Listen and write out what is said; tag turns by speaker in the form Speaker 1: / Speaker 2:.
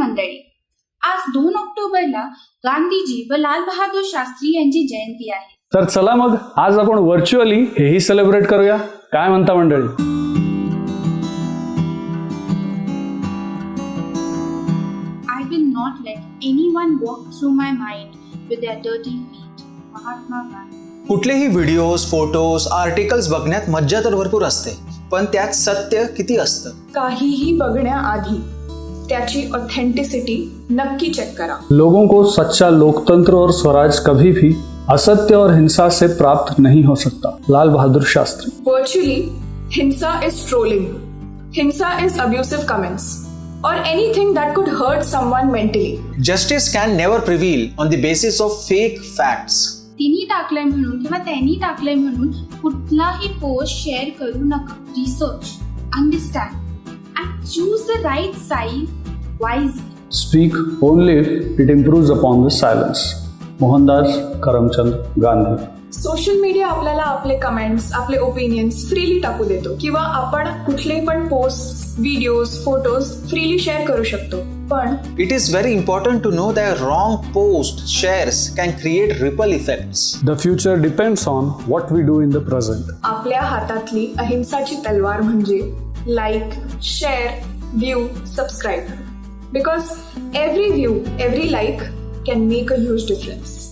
Speaker 1: मंडळी, आज 2 ऑक्टोबरला गांधीजी व लाल बहादूर शास्त्री यांची जयंती आहे.
Speaker 2: तर चला मग आज आपण व्हर्च्युअली हेही सेलिब्रेट करूया. काय म्हणता मंडळी?
Speaker 1: I will not let anyone walk through my mind with their dirty feet. Mahatma Gandhi.
Speaker 3: कुठलेही व्हिडिओज, फोटोज, आर्टिकल्स बघण्यात मज्जा तर भरपूर असते, पण त्यात सत्य किती असतं?
Speaker 4: काहीही बघण्याआधी त्याची ऑथेंटिसिटी नक्की चेक करा.
Speaker 2: लोगों को सच्चा लोकतंत्र और स्वराज कभी भी असत्य और हिंसा से प्राप्त नहीं हो सकता. लाल बहादुर शास्त्री.
Speaker 4: Virtually, हिंसा is trolling. हिंसा is abusive comments or anything that could hurt someone mentally.
Speaker 3: Justice can never prevail on the basis of fake facts.
Speaker 1: तिने टाकलंय म्हणून किंवा त्यांनी टाकलंय म्हणून कुठलाही पोस्ट शेअर करू नका. Research, understand and choose the right side wisely.
Speaker 2: Speak only if it improves upon the silence. Mohandas Karamchand Gandhi.
Speaker 4: Social media आपल्याला आपले कमेंट्स, आपले ओपिनियन्स फ्रीली टाकू देतो किंवा आपण कुठलेही पण post, videos, photos freely share करू शकतो. पण
Speaker 3: It is very important to know that wrong post shares can create ripple effects.
Speaker 2: The future depends on what we do in the present.
Speaker 4: आपल्या हातातली अहिंसाची तलवार म्हणजे like, share, view, subscribe. Because every view, every like can make a huge difference.